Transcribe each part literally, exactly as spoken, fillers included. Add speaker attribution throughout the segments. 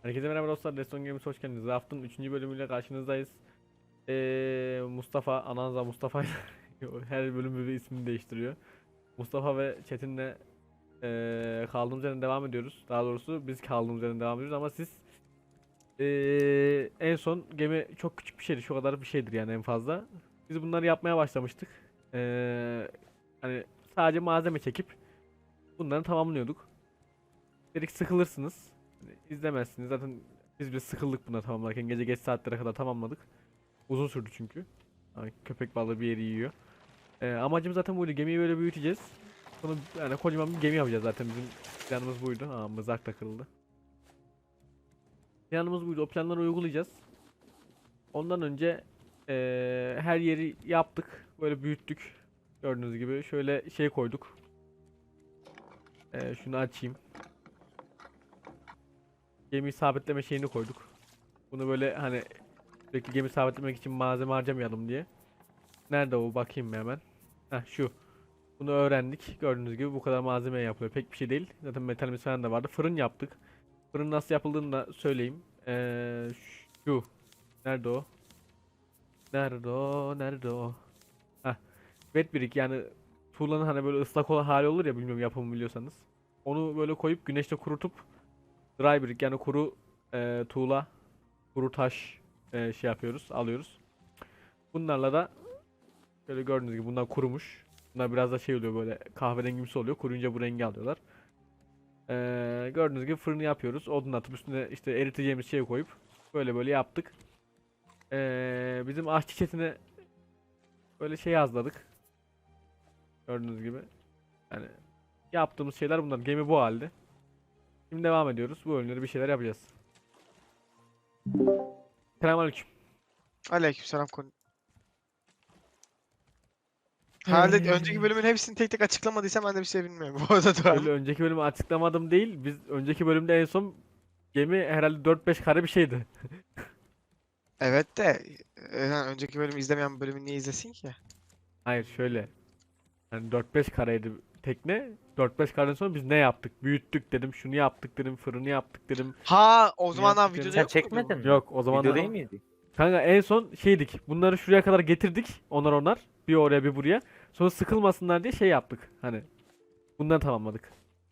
Speaker 1: Herkese merhaba dostlar, Deston Games hoş geldiniz. Raft'ın üçüncü bölümüyle karşınızdayız. Ee, Mustafa, Ananza Mustafa her bölüm bir ismini değiştiriyor. Mustafa ve Çetin'le ee, kaldığımız yerden devam ediyoruz. Daha doğrusu biz kaldığımız yerden devam ediyoruz ama siz ee, en son gemi çok küçük bir şeydi, şu kadar bir şeydir yani en fazla. Biz bunları yapmaya başlamıştık. Ee, hani sadece malzeme çekip bunları tamamlıyorduk. Dedik sıkılırsınız. Hani izlemezsiniz. Zaten biz bile sıkıldık buna tamamlarken. Gece geç saatlere kadar tamamladık. Uzun sürdü çünkü. Yani köpek balığı bir yeri yiyor. Ee, amacım zaten buydu. Gemiyi böyle büyüteceğiz. Sonra yani kocaman bir gemi yapacağız zaten. Bizim planımız buydu. Aa, mızrak da kırıldı. Planımız buydu. O planları uygulayacağız. Ondan önce ee, her yeri yaptık. Böyle büyüttük. Gördüğünüz gibi. Şöyle şey koyduk. Ee, şunu açayım. Gemi sabitleme şeyini koyduk. Bunu böyle hani sürekli gemi sabitlemek için malzeme harcamayalım diye. Nerede o, bakayım bir hemen. Heh, şu. Bunu öğrendik. Gördüğünüz gibi bu kadar malzeme yapılıyor. Pek bir şey değil. Zaten metalimiz falan da vardı. Fırın yaptık. Fırın nasıl yapıldığını da söyleyeyim. Ee, şu. Nerede o? Nerede o? Nerede o? Heh. Wet brick, yani tuğlanın hani böyle ıslak olan hali olur ya, bilmiyorum yapımı biliyorsanız. Onu böyle koyup güneşte kurutup dry brick, yani kuru e, tuğla, kuru taş e, şey yapıyoruz, alıyoruz. Bunlarla da şöyle gördüğünüz gibi bunlar kurumuş. Bunlar biraz da şey oluyor, böyle kahverengimsi oluyor. Kuruyunca bu rengi alıyorlar. Ee, gördüğünüz gibi fırını yapıyoruz. Odun atıp üstüne işte eriteceğimiz şeyi koyup böyle böyle yaptık. Ee, bizim aşçı chatine böyle şey yazladık. Gördüğünüz gibi. Yani yaptığımız şeyler bunlar. Gemi bu halde. Şimdi devam ediyoruz. Bu bölümleri bir şeyler yapacağız. Selamünaleyküm.
Speaker 2: Aleykümselam konu. Herhalde önceki bölümün hepsini tek tek açıklamadıysam ben de bir şey bilmiyorum bu arada da.
Speaker 1: Öyle önceki bölümü açıklamadım değil. Biz önceki bölümde en son gemi herhalde dört beş kare bir şeydi.
Speaker 2: Evet de e, yani önceki bölümü izlemeyen bölümü niye izlesin ki?
Speaker 1: Hayır, şöyle. Yani dört beş kareydi tekne. dört beş kareden sonra biz ne yaptık? Büyüttük dedim. Şunu yaptık dedim. Fırını yaptık dedim.
Speaker 2: Ha o
Speaker 1: Bunu
Speaker 2: zamanlar
Speaker 1: yaptık
Speaker 2: videoda
Speaker 1: dedim.
Speaker 3: Sen
Speaker 2: yok muydu
Speaker 3: çekmedin
Speaker 2: bu?
Speaker 3: mi?
Speaker 1: Yok, o zaman
Speaker 3: Video değil miydi?
Speaker 1: kanka en son şeydik. Bunları şuraya kadar getirdik. Onar onar. Bir oraya bir buraya. Sonra sıkılmasınlar diye şey yaptık. Hani bundan tamamladık.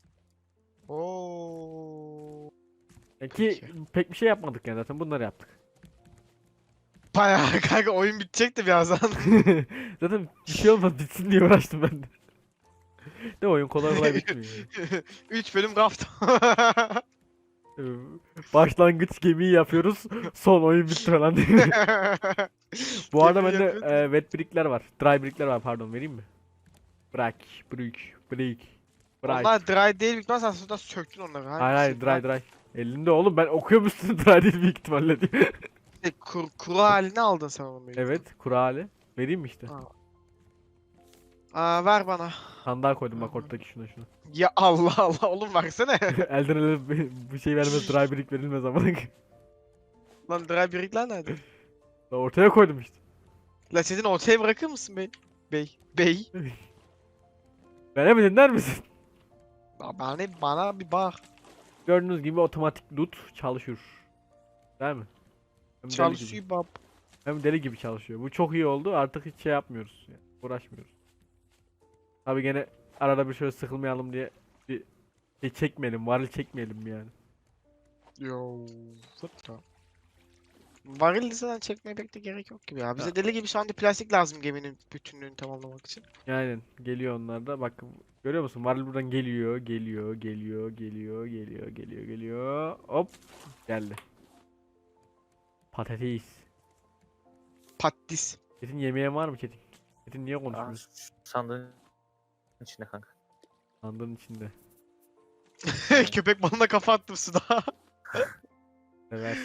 Speaker 2: Oo.
Speaker 1: Yani ki
Speaker 2: Peki.
Speaker 1: pek bir şey yapmadık yani, zaten bunları yaptık.
Speaker 2: Bayağı kanka oyun bitecekti birazdan.
Speaker 1: Zaten bir şey olmaz, bitsin diye uğraştım ben de. Ne, oyun kolay kolay bitmiyor.
Speaker 2: üç bölüm kaptım.
Speaker 1: Ee, Başlangıç gemiyi yapıyoruz. Son oyun bitti falan diye. Bu arada
Speaker 2: Gemi
Speaker 1: bende
Speaker 2: yapıyordum.
Speaker 1: e, wet brickler var. Dry brickler var, pardon, vereyim mi? Bırak, brick, brick. Bırak.
Speaker 2: Onlar dry değil büyük ihtimalle sen sonra söktün onları.
Speaker 1: Hayır hayır,
Speaker 2: Hangisi?
Speaker 1: dry dry. Elinde oğlum, ben okuyorum üstüne dry değil büyük ihtimalle diye.
Speaker 2: Şey, kur, kuru halini aldın sen onu büyük
Speaker 1: Evet, kuru hali. Vereyim mi işte?
Speaker 2: ihtimalle. Aa, ver bana.
Speaker 1: Sandığa koydum bak, ortadaki şuna şuna.
Speaker 2: Ya Allah Allah oğlum versene.
Speaker 1: Elden ele bir- bu şey vermez, dry brick verilmez ama.
Speaker 2: Lan dry birikler nerede?
Speaker 1: Ortaya koydum işte.
Speaker 2: La sizin ortaya bırakır mısın bey? Bey. Bey.
Speaker 1: Bana bir dinler misin?
Speaker 2: Ya bana, bana bir bak.
Speaker 1: Gördüğünüz gibi otomatik loot çalışıyor. Değil mi? Hem deli gibi.
Speaker 2: Çalışıyor bab.
Speaker 1: Hem deli gibi çalışıyor. Bu çok iyi oldu. Artık hiç şey yapmıyoruz. Yani uğraşmıyoruz. Tabi gene arada bir şöyle sıkılmayalım diye bir şey çekmeyelim. Varil çekmeyelim yani.
Speaker 2: Yo. Fıtta. Varil liseden çekmeye pek de gerek yok gibi ya. Bize
Speaker 1: Ya.
Speaker 2: deli gibi şu anda plastik lazım geminin bütünlüğünü tamamlamak için.
Speaker 1: Aynen. Geliyor onlar da. Bak, görüyor musun? Varil buradan geliyor. Geliyor. Geliyor. Geliyor. Geliyor. Geliyor. Geliyor. Hop. Geldi. Patates.
Speaker 2: Patis.
Speaker 1: Çetin, yemeğin var mı Çetin? Çetin niye
Speaker 3: Aa,
Speaker 1: konuşmuyor?
Speaker 3: sandığın içinde kanka.
Speaker 1: Sandığın içinde.
Speaker 2: Köpek balığına kafa attım suda.
Speaker 1: Evet.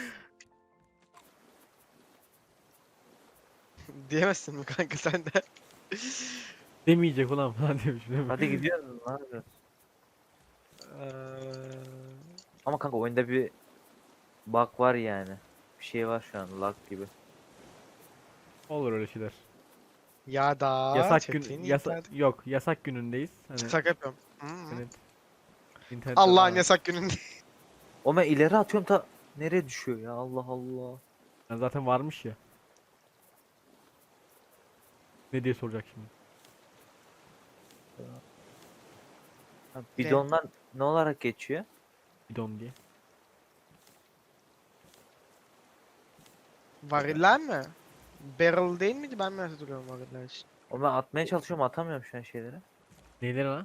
Speaker 2: Diyemezsin mi kanka sen de?
Speaker 1: Demeyecek ulan falan demiş. Değil mi?
Speaker 3: Hadi gidiyoruz. Ne yapıyoruz?
Speaker 2: Eee,
Speaker 3: Ama kanka oyunda bir bug var yani. Bir şey var şu an lag gibi.
Speaker 1: Olur öyle şeyler.
Speaker 2: ya da
Speaker 1: Yasak
Speaker 2: Çetin
Speaker 1: gün yasak
Speaker 2: internet-
Speaker 1: yok, yasak günündeyiz. Hani
Speaker 2: Şaka yapıyorum. Hı hı.
Speaker 1: evet. İnternet
Speaker 2: Allah'ın yasak gününde.
Speaker 3: O ben ileri atıyorum ta Nereye düşüyor ya? Allah Allah.
Speaker 1: Yani zaten varmış ya. Ne diye soracak şimdi.
Speaker 3: Ha, bidonlar ne olarak geçiyor?
Speaker 1: Bidon diye.
Speaker 2: Variller mi? Barrel değil miydi? Ben mi hatırlıyorum variller için?
Speaker 3: O ben atmaya çalışıyorum, atamıyorum şu an şeyleri.
Speaker 1: Neyleri lan?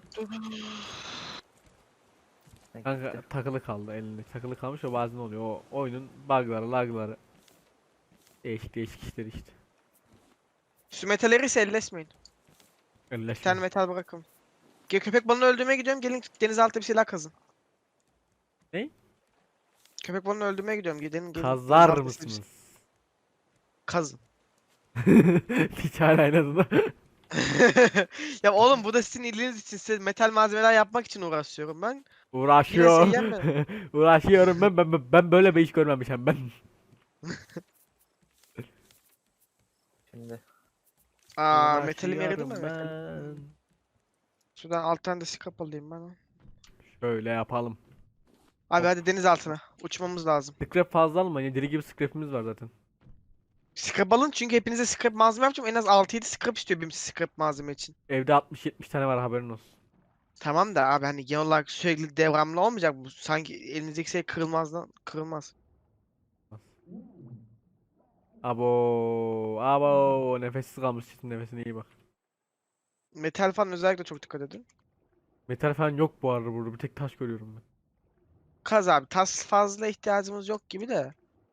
Speaker 3: Ha,
Speaker 1: Kanka
Speaker 3: gitti.
Speaker 1: takılı kaldı elinde. Takılı kalmış o bazen oluyor. O oyunun bug'ları, lag'ları. Değişik değişik işler işte.
Speaker 2: Şu metalleri ise elleşmeyin. Bir
Speaker 1: Elleşme.
Speaker 2: tane metal bırakın. Ge- Köpek balığını öldürmeye gidiyorum. Gelin denizaltı bir şeyler kazın.
Speaker 1: Ne?
Speaker 2: Köpek balığını öldürmeye gidiyorum. Gelin gelin.
Speaker 1: Kazar
Speaker 2: denizaltı bir şey-
Speaker 1: mısınız?
Speaker 2: Kazın.
Speaker 1: Hiç hala inadına.
Speaker 2: Ya oğlum bu da sizin iyiliğiniz için. Size metal malzemeler yapmak için uğraşıyorum ben. Yine
Speaker 1: Uğraşıyor.
Speaker 2: şey yeme.
Speaker 1: Uğraşıyorum ben, ben ben ben böyle bir iş görmemişim ben.
Speaker 3: Şimdi
Speaker 2: Aa metalim eridi mi?
Speaker 1: Uğraşıyorum
Speaker 2: Metal.
Speaker 1: ben.
Speaker 2: Şuradan alttan da skap alayım ben.
Speaker 1: Şöyle yapalım.
Speaker 2: Abi hadi deniz altına. Uçmamız lazım.
Speaker 1: Scrap fazla almayın. Deli gibi scrap'imiz var zaten.
Speaker 2: Scrap alın çünkü hepinize scrap malzeme yapacağım. En az altı yedi scrap istiyor benim scrap malzeme için.
Speaker 1: Evde altmış yetmiş tane var haberin olsun.
Speaker 2: Tamam da abi hani genel olarak sürekli devamlı olmayacak bu. Sanki elinizdeki şey kırılmazdan kırılmaz.
Speaker 1: Abo, abo, nefessiz kalmış çitin nefesine iyi bak.
Speaker 2: Metal falan özellikle çok dikkat edin.
Speaker 1: Metal falan yok bu arada burada. Bir tek taş görüyorum ben.
Speaker 2: Kaz abi. Tas fazla ihtiyacımız yok gibi de.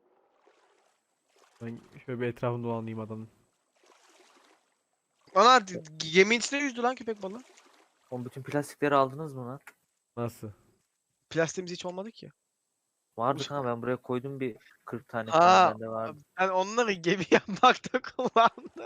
Speaker 1: Ben şöyle bir etrafını dolanayım adamın.
Speaker 2: Ana d- geminin içine yüzdü lan köpek balığı.
Speaker 3: o bütün plastikleri aldınız mı lan?
Speaker 1: Nasıl?
Speaker 2: Plastiğimiz hiç olmadı ki.
Speaker 3: Vardı kanka, ben buraya koydum bir kırk tane
Speaker 2: Ha,
Speaker 3: falan bende vardı.
Speaker 2: ben onları gemi yapmakta kullandım.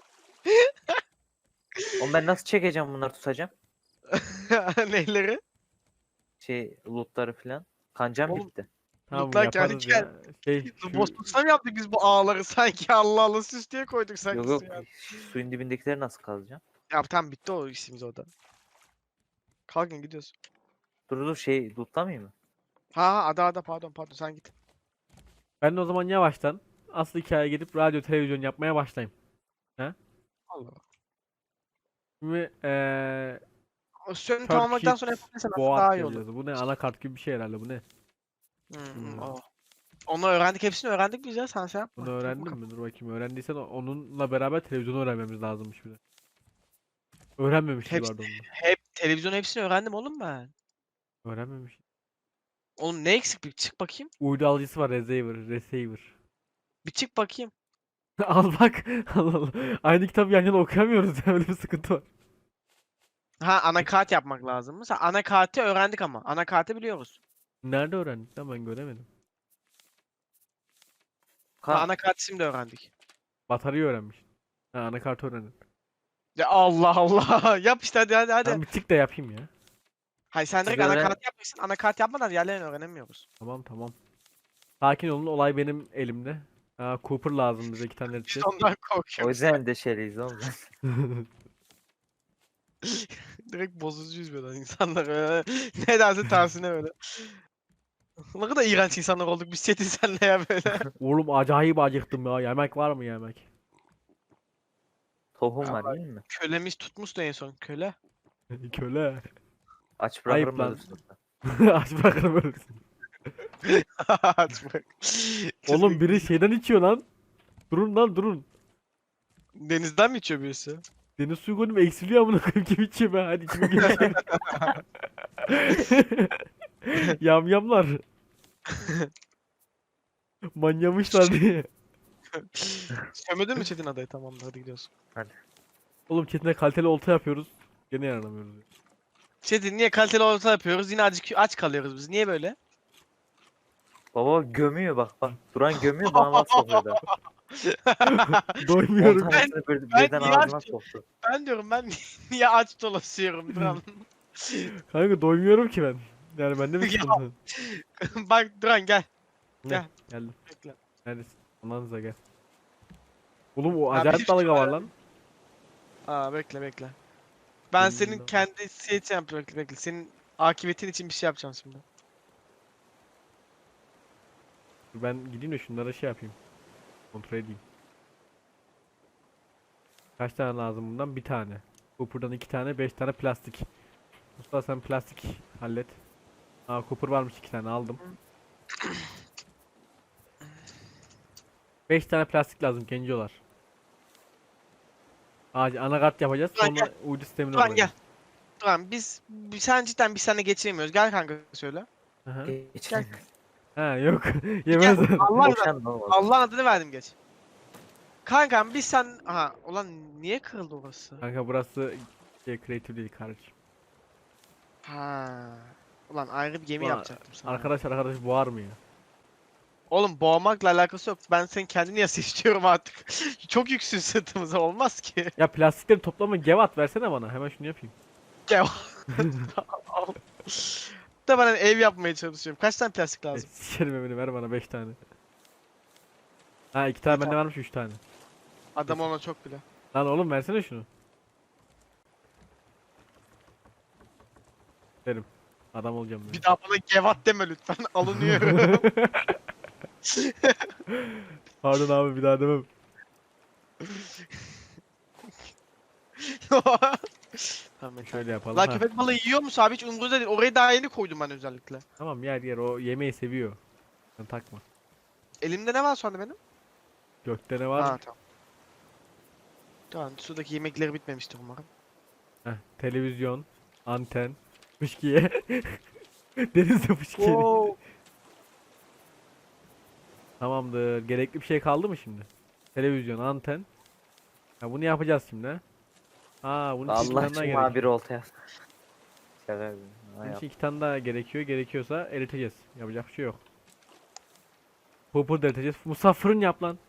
Speaker 3: Oğlum ben nasıl çekeceğim bunları, tutacağım?
Speaker 2: Neyleri?
Speaker 3: Şey lootları falan. Kancam
Speaker 2: Oğlum,
Speaker 3: bitti.
Speaker 1: Tamam
Speaker 2: Mutlak yani
Speaker 1: yaparız ya. Şey şu
Speaker 2: Boşlukta mı yaptık biz bu ağları sanki Allah Allah süs diye koyduk sanki
Speaker 3: Yok yok,
Speaker 2: suya.
Speaker 3: suyun dibindekileri nasıl kazacağım?
Speaker 2: Ya tamam bitti o işimiz orada. Kalkın gidiyoruz.
Speaker 3: Dur dur, şey lootlamayayım mı?
Speaker 2: Ha ha ada ada pardon pardon sen git.
Speaker 1: ben de o zaman yavaştan asıl hikayeye gidip radyo televizyon yapmaya başlayayım.
Speaker 2: Allah.
Speaker 1: Şimdi eee
Speaker 2: O sönü
Speaker 1: Turkish
Speaker 2: tamamladıktan sonra yapabilirsen aslında
Speaker 1: Boat
Speaker 2: daha iyi olur.
Speaker 1: yazıyordu. Bu ne? Anakart gibi bir şey herhalde bu ne?
Speaker 2: Hı, hı,
Speaker 1: Hmm.
Speaker 2: o. Onu öğrendik hepsini öğrendik biz ya sen şey yapma.
Speaker 1: Bunu
Speaker 2: Dur
Speaker 1: öğrendin
Speaker 2: bakalım.
Speaker 1: mi? Dur bakayım. Öğrendiysen o- onunla beraber televizyonu öğrenmemiz lazımmış bir de. Öğrenmemişiz
Speaker 2: Hepsi,
Speaker 1: vardı onu.
Speaker 2: hep televizyon hepsini öğrendim oğlum ben.
Speaker 1: Öğrenmemiş.
Speaker 2: Oğlum ne eksik bir çık bakayım.
Speaker 1: Uydu alıcısı var. Receiver. Receiver.
Speaker 2: Bir çık bakayım.
Speaker 1: Al bak. Allah Allah. Aynı kitabı yan yana okuyamıyoruz ya. Öyle bir sıkıntı var.
Speaker 2: Ha anakart yapmak lazım mı? Sen anakartı öğrendik ama. Anakartı biliyoruz.
Speaker 1: Nerede öğrendik lan ben göremedim.
Speaker 2: Ha,
Speaker 3: Ka
Speaker 2: anakartı şimdi öğrendik.
Speaker 1: Bataryayı öğrenmiş. Ha anakartı öğrendin.
Speaker 2: Ya Allah Allah. Yap işte hadi hadi hadi.
Speaker 1: Ben bir tık da yapayım ya.
Speaker 2: Hayır sen direkt
Speaker 3: Siz öğren-
Speaker 2: anakart yapmışsın. Anakart yapmadan diğerlerini öğrenemiyoruz.
Speaker 1: Tamam tamam. Sakin olun. Olay benim elimde. Ha, Cooper lazım bize iki tane
Speaker 2: Biz
Speaker 1: edeceğiz.
Speaker 2: ondan
Speaker 3: o
Speaker 2: korkuyoruz.
Speaker 3: yüzden de şeyleyiz oğlum.
Speaker 2: Direkt bozucuyuz böyle insanlar öyle. Ne derse tersine böyle. Ne kadar iğrenç insanlar olduk biz Çetin senle ya böyle.
Speaker 1: Oğlum acayip acıktım ya. Yemek var mı yemek?
Speaker 3: Tohum var değil mi?
Speaker 2: Kölemiz tutmuştu en son köle.
Speaker 1: Köle.
Speaker 3: Aç
Speaker 1: Ayıp
Speaker 3: bırakırım
Speaker 1: lan.
Speaker 3: ölürsün.
Speaker 1: Aç bırakırım ölürsün.
Speaker 2: Aç bak.
Speaker 1: Oğlum
Speaker 2: Çocuk
Speaker 1: biri şeyden içiyor lan. Durun lan durun.
Speaker 2: denizden mi içiyor birisi?
Speaker 1: Deniz suyu koydum eksiliyor amına koyayım kim içiyor be hadi içime gibi şey. Yamyamlar. Manyamışlar diye.
Speaker 2: Sömedin mi Çetin adayı? Tamamdır hadi gidiyoruz.
Speaker 1: Oğlum Çetin'e kaliteli olta yapıyoruz. Gene yaranamıyoruz. ya.
Speaker 2: Çetin niye kaliteli orta yapıyoruz? Yine aç, aç kalıyoruz biz. Niye böyle?
Speaker 3: Baba gömüyor, bak bak. Duran gömüyor, bana laf sokuyor da. on
Speaker 1: Doymuyorum.
Speaker 3: tanesini bir,
Speaker 2: ben
Speaker 3: birden
Speaker 2: niye
Speaker 3: ağzına
Speaker 2: açtım?
Speaker 3: soktu.
Speaker 2: Ben diyorum ben niye aç dolaşıyorum Duran?
Speaker 1: Kanka doymuyorum ki ben. Yani bende mi
Speaker 2: Ya.
Speaker 1: sıkıntı?
Speaker 2: Bak Duran gel.
Speaker 1: Ne?
Speaker 2: Gel.
Speaker 1: Geldim.
Speaker 2: Bekle.
Speaker 1: Neredesin? Ananıza gel. Oğlum o
Speaker 2: Abi
Speaker 1: acayip
Speaker 2: hiç
Speaker 1: dalga var lan.
Speaker 2: Aa bekle bekle. Ben
Speaker 1: Benim
Speaker 2: senin
Speaker 1: de-
Speaker 2: kendi şey için yapıyorum. Bekle bekle. Senin akıbetin için bir şey yapacağım şimdi.
Speaker 1: Dur ben gideyim de şunlara şey yapayım. Kontrol edeyim. Kaç tane lazım bundan? Bir tane. Cooper'dan iki tane, beş tane plastik. Mustafa sen plastik hallet. Aa Cooper varmış iki tane aldım. Beş tane plastik lazım gencolar. Ağacı anakart yapacağız
Speaker 2: Turan
Speaker 1: sonra uydu sistemini
Speaker 2: Turan gel.
Speaker 1: kuracağız.
Speaker 2: Turan biz, biz sen cidden biz seninle geçiremiyoruz. Gel kanka söyle.
Speaker 1: Aha.
Speaker 3: Geçin.
Speaker 1: Ha yok yemezler.
Speaker 2: Allah adına,
Speaker 3: Boşan ne olmaz.
Speaker 2: Allah'ın adını verdim geç. Kankam biz sen... Aha ulan niye kırıldı orası?
Speaker 1: Kanka burası şey, creative değil kardeşim.
Speaker 2: Ha. Ulan ayrı bir gemi
Speaker 1: Ulan,
Speaker 2: yapacaktım sana.
Speaker 1: Arkadaş arkadaş boğar mı ya?
Speaker 2: Oğlum boğmakla alakası yok. Ben senin kendini yasa istiyorum artık. Çok yüksün sırtımıza olmaz ki.
Speaker 1: Ya plastikleri toplama gevat versene bana hemen şunu yapayım.
Speaker 2: Gel. Da ben hani ev yapmaya çalışıyorum. Kaç tane plastik
Speaker 1: E,
Speaker 2: lazım?
Speaker 1: Sikerim evini ver bana beş tane. Ha iki tane bende varmış üç tane.
Speaker 2: Adam ona çok bile.
Speaker 1: Lan oğlum versene şunu. Derim. Adam olacağım ben.
Speaker 2: Bir daha bana gevat deme lütfen. Alınıyorum.
Speaker 1: Pardon abi bir daha demem.
Speaker 2: Tamam,
Speaker 1: Şöyle yapalım.
Speaker 2: La
Speaker 1: ha.
Speaker 2: köpek balığı yiyor musun abi? Hiç umurumda değil. Orayı daha yeni koydum ben özellikle.
Speaker 1: Tamam yer yer o yemeği seviyor. Sen takma.
Speaker 2: Elimde ne var şu anda benim?
Speaker 1: Gökte ne var?
Speaker 2: Ha tamam. Tamam sudaki yemekleri bitmemiştir umarım.
Speaker 1: Heh, televizyon, anten, fışkiye. Denizde fışkiye.
Speaker 2: Wow.
Speaker 1: Tamamdır. Gerekli bir şey kaldı mı şimdi? Televizyon, anten. Ha bunu yapacağız şimdi. ha. Aa bunun için iki
Speaker 3: Allah
Speaker 1: tane daha
Speaker 3: için bir
Speaker 1: gerekiyor.
Speaker 3: olta yaz. Şaka yapıyorum. Ha,
Speaker 1: Bunun
Speaker 3: yap.
Speaker 1: için iki tane daha gerekiyor. Gerekiyorsa eriteceğiz. Yapacak bir şey yok. Pupur da eriteceğiz. Musa fırın yap lan.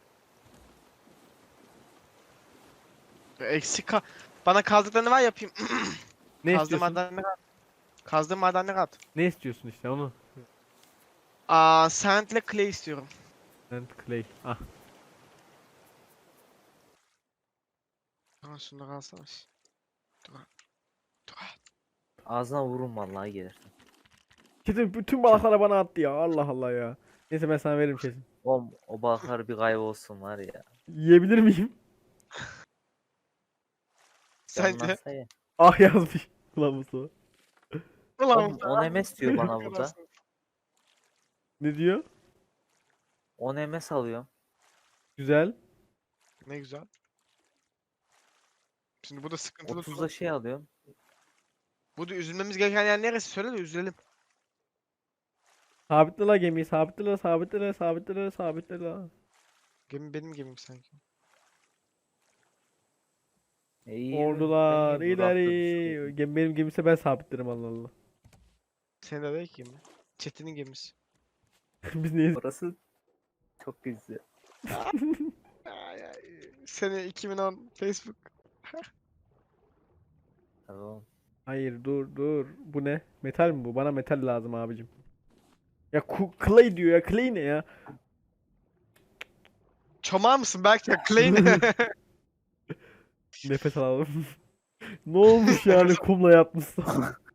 Speaker 2: Eksik ka- Bana kazdıklarını var yapayım.
Speaker 1: Ne
Speaker 2: Kazdığım
Speaker 1: istiyorsun?
Speaker 2: madenleri at. Kazdığım madenleri at.
Speaker 1: Ne istiyorsun işte onu?
Speaker 2: Aa, sand ile clay istiyorum.
Speaker 1: And clay. Ah.
Speaker 2: Ha şunları alsana. Dur. Dur.
Speaker 3: Ağzına vurun vallahi gelir.
Speaker 1: Kesin bütün balıkları bana attı ya. Allah Allah ya. Neyse ben sana veririm kesin.
Speaker 3: O, o balıklar bir kaybolsun var ya.
Speaker 1: Yiyebilir miyim?
Speaker 2: Sence?
Speaker 3: Canlansa ye.
Speaker 1: Ah yazmış. Ulan Mustafa.
Speaker 2: Ulan
Speaker 3: Oğlum, on M S diyor bana
Speaker 2: Ne
Speaker 3: burada.
Speaker 2: kadarsın?
Speaker 1: Ne diyor?
Speaker 3: on M S alıyorum.
Speaker 1: Güzel.
Speaker 2: Ne güzel. Şimdi bu da sıkıntılı.
Speaker 3: otuzda şey alıyorum.
Speaker 2: Bu da üzülmemiz gereken yer neresi? Söyle de üzülelim.
Speaker 1: Sabitle la gemiyi. Sabitle la, sabitle la, sabitle la, sabitle la.
Speaker 2: Gemi benim gemim sanki.
Speaker 3: E, iyi,
Speaker 1: Ordular
Speaker 3: ben niye bu rafta
Speaker 1: ileri.
Speaker 3: düşüyorum?
Speaker 1: Gemi benim gemiyse ben sabitlerim Allah Allah.
Speaker 2: Senin de değil ki gemi. Çetin'in gemisi.
Speaker 1: Biz neyiz?
Speaker 3: Orası çok güzel.
Speaker 2: Ay, ay. Sene iki bin on Facebook.
Speaker 3: Tamam.
Speaker 1: Hayır dur dur. Bu ne? Metal mi bu? Bana metal lazım abicim. Ya ku- clay diyor ya. Clay ne ya?
Speaker 2: Çomağı mısın belki ya? Clay ne?
Speaker 1: Nefes alalım. Ne olmuş yani kumla yapmışsın?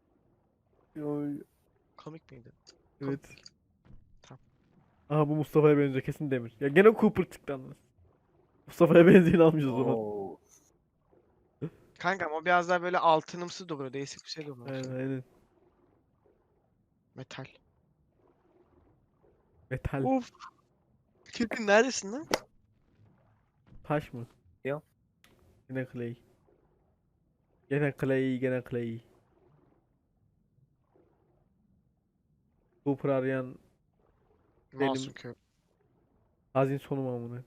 Speaker 2: Komik miydi?
Speaker 1: Evet.
Speaker 2: Tamam.
Speaker 1: Aha bu Mustafa'ya benziyor kesin demir. Ya gene Cooper çıktı anladın. Mustafa'ya benzeyeni almışız o zaman.
Speaker 3: Oo.
Speaker 2: Kankam o biraz daha böyle altınımsı duruyor. Değişik bir şey duruyor.
Speaker 1: Aynen aynen.
Speaker 2: Metal.
Speaker 1: Metal.
Speaker 2: Uf. Çetin neredesin lan?
Speaker 1: Taş mı?
Speaker 3: Yok.
Speaker 1: Gene clay. Gene clay, gene clay. Cooper arayan
Speaker 2: Masum köy.
Speaker 1: hazin sonu mu amına?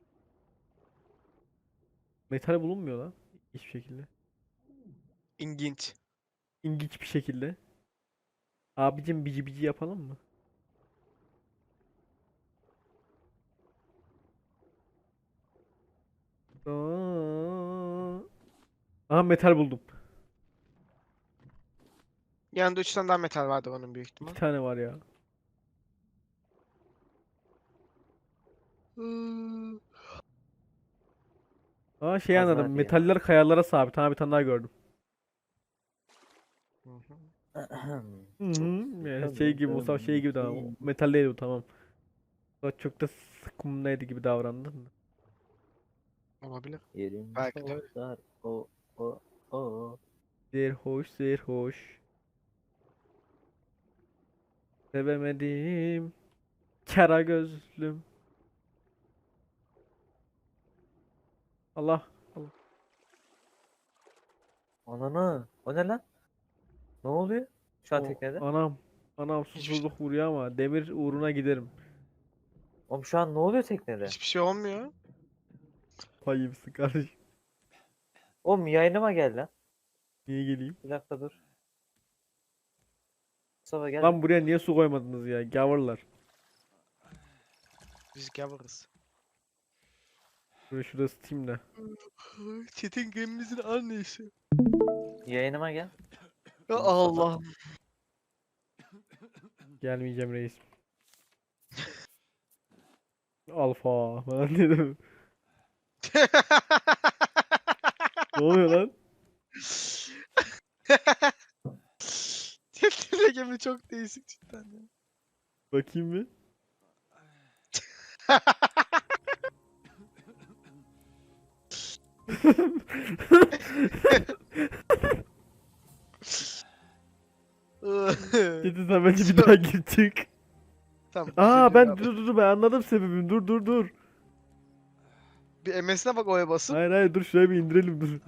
Speaker 1: Metal bulunmuyor lan. Hiçbir şekilde.
Speaker 2: İlginç.
Speaker 1: İlginç bir şekilde. Abicim bici bici yapalım mı? Aa. Aha metal buldum.
Speaker 2: Yanında üç tane daha metal vardı onun büyük ihtimal.
Speaker 1: İki tane var ya.
Speaker 2: Hmm.
Speaker 1: Aa şey
Speaker 3: Pazar
Speaker 1: anladım.
Speaker 3: ya.
Speaker 1: Metaller kayalara sabit. Ha bir tane daha gördüm.
Speaker 2: Hı hı.
Speaker 1: Hı hı. Yani
Speaker 3: Çok
Speaker 1: şey gibi Mustafa şey gibi tamam. Metal değil bu tamam. O çok da sıkımdaydı gibi davrandın da.
Speaker 2: Olabilir.
Speaker 3: Yerim
Speaker 2: Belki de.
Speaker 3: bozar. O o o.
Speaker 1: Zerhoş zerhoş. Sevemedim. Kara gözlüm. Allah. Allah.
Speaker 3: Ananı. O ne lan? Ne oluyor? Şu an
Speaker 1: O,
Speaker 3: teknede.
Speaker 1: anam. Anam
Speaker 2: Hiçbir şey-
Speaker 1: susuzluk vuruyor ama demir uğruna giderim.
Speaker 3: Oğlum şu an ne oluyor teknede?
Speaker 2: Hiçbir şey olmuyor.
Speaker 1: Payımsın kardeşim.
Speaker 3: Oğlum yayınıma gel lan.
Speaker 1: Niye geleyim?
Speaker 3: Bir dakika dur. Mustafa gel.
Speaker 1: Lan buraya niye su koymadınız ya? Gavurlar.
Speaker 2: Biz gavuruz.
Speaker 1: Buraya şurada ısıtayım da.
Speaker 2: Çetin gemimizin annesi.
Speaker 3: Yayınıma gel.
Speaker 2: Ya
Speaker 3: Mustafa.
Speaker 2: Allah.
Speaker 1: Gelmeyeceğim reis. Alfa falan dedim. Ne oluyor lan?
Speaker 2: Çetin gemi çok değişik cidden ya.
Speaker 1: Bakayım bir. Gidin sen bence bir daha gir çık.
Speaker 2: Tamam.
Speaker 1: Aa
Speaker 2: üzüldüm
Speaker 1: ben
Speaker 2: ya.
Speaker 1: dur dur dur ben anladım sebebini. Dur dur dur.
Speaker 2: Bir M S'ine bak oya basıp.
Speaker 1: Hayır hayır dur şuraya bir indirelim dur.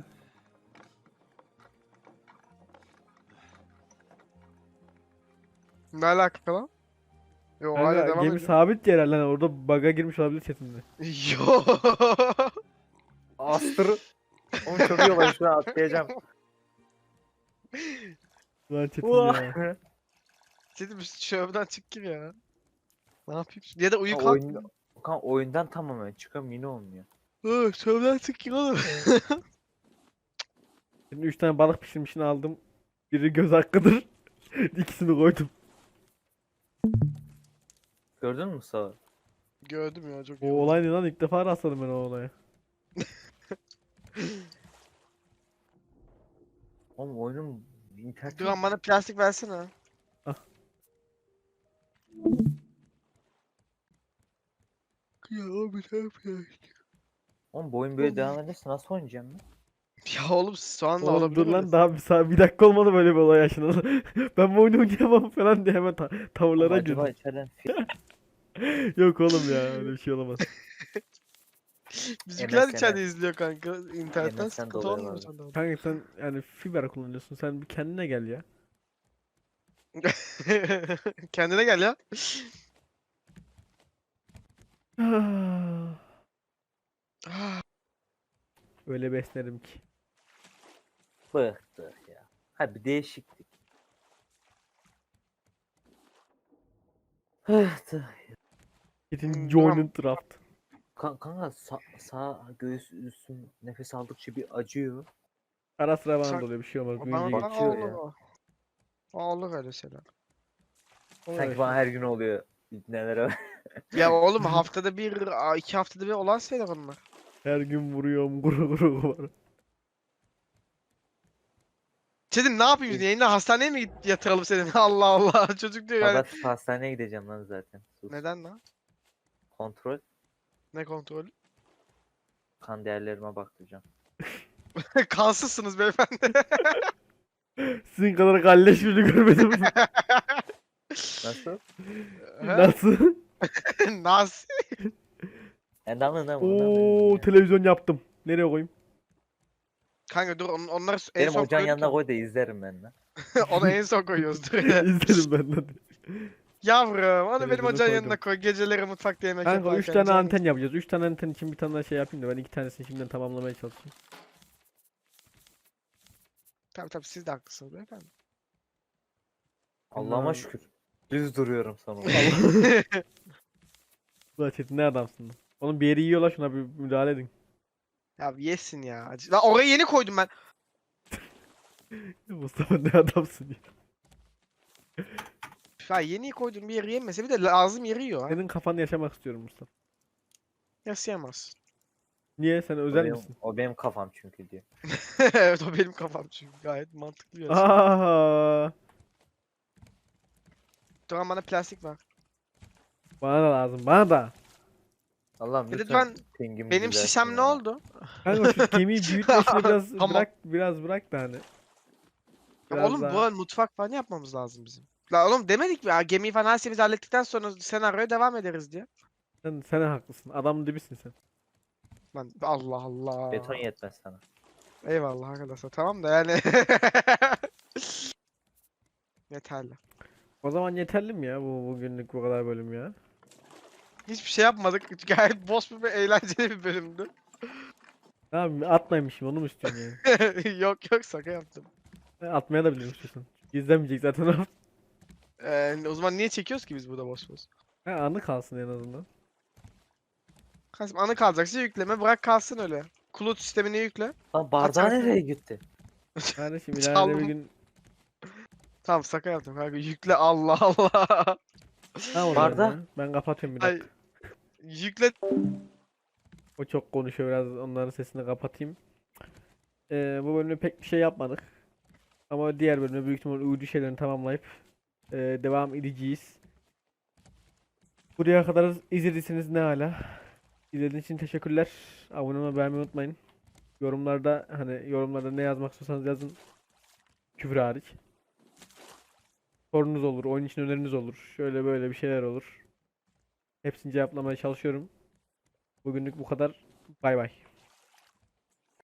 Speaker 2: Ne alaka lan? Yo hala
Speaker 1: Kanka,
Speaker 2: devam
Speaker 1: gemi
Speaker 2: ediyor.
Speaker 1: sabit yer herhalde. Orada bug'a girmiş olabilir chatinde.
Speaker 2: Yo.
Speaker 3: Astır. Oğlum çok iyi olay şu an atlayacağım.
Speaker 1: Lan chatin ya.
Speaker 3: Uah.
Speaker 2: Dedim şövden çık gir ya. Ne yapayım? şimdi? Ya da uyu
Speaker 3: Ha,
Speaker 2: kalk.
Speaker 3: oyunda, kan oyundan tamamen çıkıyorum yine olmuyor.
Speaker 2: Hı, şövden çık gir oğlum.
Speaker 1: Şimdi üç tane balık pişirmişini aldım. Biri göz hakkıdır. İkisini koydum.
Speaker 3: Gördün mü Mustafa?
Speaker 2: Gördüm ya çok
Speaker 1: O
Speaker 2: iyi oldu.
Speaker 1: olay ne lan? İlk defa rastladım ben o olaya.
Speaker 3: Oğlum oyunun internet
Speaker 2: Duran bana plastik versene.
Speaker 1: Ah.
Speaker 2: Ya abi ne yapıyorsun?
Speaker 3: Oğlum bu oyun böyle devam ederse nasıl oynayacağım ben?
Speaker 2: Ya oğlum şu anda
Speaker 1: Oğlum
Speaker 2: olabilir
Speaker 1: dur lan
Speaker 2: öyle.
Speaker 1: daha bir, saat, bir dakika olmadı böyle bir olay yaşanalı. Ben bu oyunu oynayamam falan diye hemen ta-
Speaker 3: Oğlum
Speaker 1: tavırlara
Speaker 3: acaba
Speaker 1: girdim.
Speaker 3: içeriden fi-
Speaker 1: Yok oğlum ya öyle bir şey olamaz.
Speaker 2: Bizimkiler
Speaker 3: M S N
Speaker 2: içeride izliyor kanka. İnternetten
Speaker 3: M S N
Speaker 2: sıkıntı
Speaker 3: dolayı
Speaker 2: olmuyor
Speaker 3: var.
Speaker 2: sende. orada.
Speaker 1: Kanka sen yani fiber kullanıyorsun. Sen bir kendine gel ya.
Speaker 2: Kendine gel ya. Ah,
Speaker 1: Öyle beslerim ki.
Speaker 3: bıktık ya. Hadi bir değişiklik. Bıktık.
Speaker 1: Gidin
Speaker 2: Hmm,
Speaker 1: join draft.
Speaker 3: Kan- Kanka sağ, sağ göğüs üstüm nefes aldıkça bir acıyor.
Speaker 1: Ara sıra bana
Speaker 2: Sen-
Speaker 1: da oluyor bir şey olmaz.
Speaker 2: Bana
Speaker 1: Büyüyünce
Speaker 2: bana
Speaker 1: geçiyor.
Speaker 3: geçiyor ya.
Speaker 2: olur. Olur öyle şeyler.
Speaker 1: Oluyor
Speaker 3: Sanki
Speaker 1: işte.
Speaker 3: bana her gün oluyor. Nelere
Speaker 2: Ya oğlum haftada bir, aa, iki haftada bir olan şeyler onlar.
Speaker 1: Her gün vuruyorum guru guru var.
Speaker 2: Çetin ne yapayım şimdi? Yayında hastaneye mi git- yatıralım seni? Allah Allah. Çocuk diyor yani.
Speaker 3: Pazartesi hastaneye gideceğim lan zaten. Sus.
Speaker 2: Neden lan?
Speaker 3: Kontrol.
Speaker 2: Ne kontrolü?
Speaker 3: Kan değerlerime baktıracağım.
Speaker 2: Kansızsınız beyefendi.
Speaker 1: Sizin kadar galleş birini görmedim.
Speaker 3: Nasıl?
Speaker 2: He?
Speaker 1: Nasıl?
Speaker 2: Nasıl?
Speaker 3: Endamlı ne
Speaker 1: Oo televizyon yaptım. Nereye koyayım?
Speaker 2: Kanka dur on, onları en
Speaker 3: Benim
Speaker 2: son
Speaker 3: ocağın
Speaker 2: koyduk
Speaker 3: yanına
Speaker 2: ya.
Speaker 3: koy da izlerim ben de.
Speaker 2: Onu en son koyuyoruz dur.
Speaker 1: İzledim ben de.
Speaker 2: Yavrum onu benim
Speaker 1: Televizyonu
Speaker 2: ocağın
Speaker 1: koydum.
Speaker 2: yanına koy. Geceleri mutfakta yemek
Speaker 1: Kanka
Speaker 2: yaparken.
Speaker 1: üç tane
Speaker 2: canım.
Speaker 1: anten yapacağız. üç tane anten için bir tane daha şey yapayım da ben iki tanesini şimdiden tamamlamaya çalışayım.
Speaker 2: Tabii tabii siz de haklısınız beyefendi.
Speaker 3: Allah'ıma
Speaker 1: Lan.
Speaker 3: şükür. Düz duruyorum sonunda.
Speaker 1: Ulan Çetin ne adamsın lan. Onun bir yeri yiyorlar şuna bir müdahale edin.
Speaker 2: Ya yesin ya. Acı- Lan oraya yeni koydum ben.
Speaker 1: Mustafa ne adamsın ya.
Speaker 2: Ya yeni koydum bir yeri yemese bir de lazım yeri yiyor ha.
Speaker 1: Senin kafanı yaşamak istiyorum Mustafa.
Speaker 2: Yaşayamaz.
Speaker 1: Niye? Sen
Speaker 3: O
Speaker 1: özel
Speaker 3: benim,
Speaker 1: misin?
Speaker 3: o benim kafam çünkü diyor.
Speaker 2: Evet o benim kafam çünkü gayet mantıklı bir açı.
Speaker 1: Aa,
Speaker 2: Duran bana plastik ver.
Speaker 1: Bana da lazım. Bana da.
Speaker 3: Allah'ım
Speaker 2: Bir de
Speaker 3: lütfen
Speaker 2: ben-
Speaker 3: pingimi
Speaker 2: Benim
Speaker 3: düzeltin
Speaker 2: şişem ne
Speaker 3: ya.
Speaker 2: oldu?
Speaker 1: Kanka şu gemiyi büyütme işini biraz
Speaker 2: Tamam.
Speaker 1: bırak biraz bırak da hani.
Speaker 2: Ama
Speaker 1: Biraz
Speaker 2: oğlum
Speaker 1: daha-
Speaker 2: bu mutfak falan yapmamız lazım bizim. La oğlum demedik mi ya gemiyi falan her şeyimizi hallettikten sonra senaryoya devam ederiz diye.
Speaker 1: Sen, sen haklısın. Adam dibisin sen.
Speaker 2: Lan Allah Allah.
Speaker 3: Beton yetmez sana.
Speaker 2: Eyvallah arkadaşlar tamam da yani. Yeterli.
Speaker 1: O zaman yeterli mi ya bu bugünlük bu kadar bölüm ya?
Speaker 2: Hiçbir şey yapmadık. Gayet boş bir ve eğlenceli bir bölümdü.
Speaker 1: Ne yapayım atmaymışım onu mu istiyorsun yani?
Speaker 2: Yok yok şaka yaptım.
Speaker 1: Ha, atmaya da bilirim istiyorsan. İzlemeyecek zaten o.
Speaker 2: Ee, o zaman niye çekiyoruz ki biz burada boş boş?
Speaker 1: Ha, anı kalsın en azından.
Speaker 2: Kasım anı kalacaksa yükleme bırak kalsın öyle. Kulut sistemini yükle.
Speaker 3: Lan bardağı
Speaker 2: Atarsın.
Speaker 3: nereye gitti?
Speaker 1: Kardeşim ileride bir
Speaker 2: Çaldım.
Speaker 1: gün
Speaker 2: Tamam şaka yaptım kanka yükle Allah Allah.
Speaker 1: ne oluyor
Speaker 3: Barda.
Speaker 1: ya? Ben kapatıyorum bir
Speaker 2: Ay
Speaker 1: dakika.
Speaker 2: yükle.
Speaker 1: O çok konuşuyor biraz onların sesini kapatayım. Ee, bu bölümde pek bir şey yapmadık. Ama diğer bölümde büyük ihtimal uydu şeylerini tamamlayıp ee, devam edeceğiz. Buraya kadar izlediyseniz ne hala. İzlediğiniz için teşekkürler. Abone olmayı beğenmeyi unutmayın. Yorumlarda hani yorumlarda ne yazmak istiyorsanız yazın. Küfür hariç. Sorunuz olur, oyun için öneriniz olur. Şöyle böyle bir şeyler olur. Hepsini cevaplamaya çalışıyorum. Bugünlük bu kadar. Bay bay.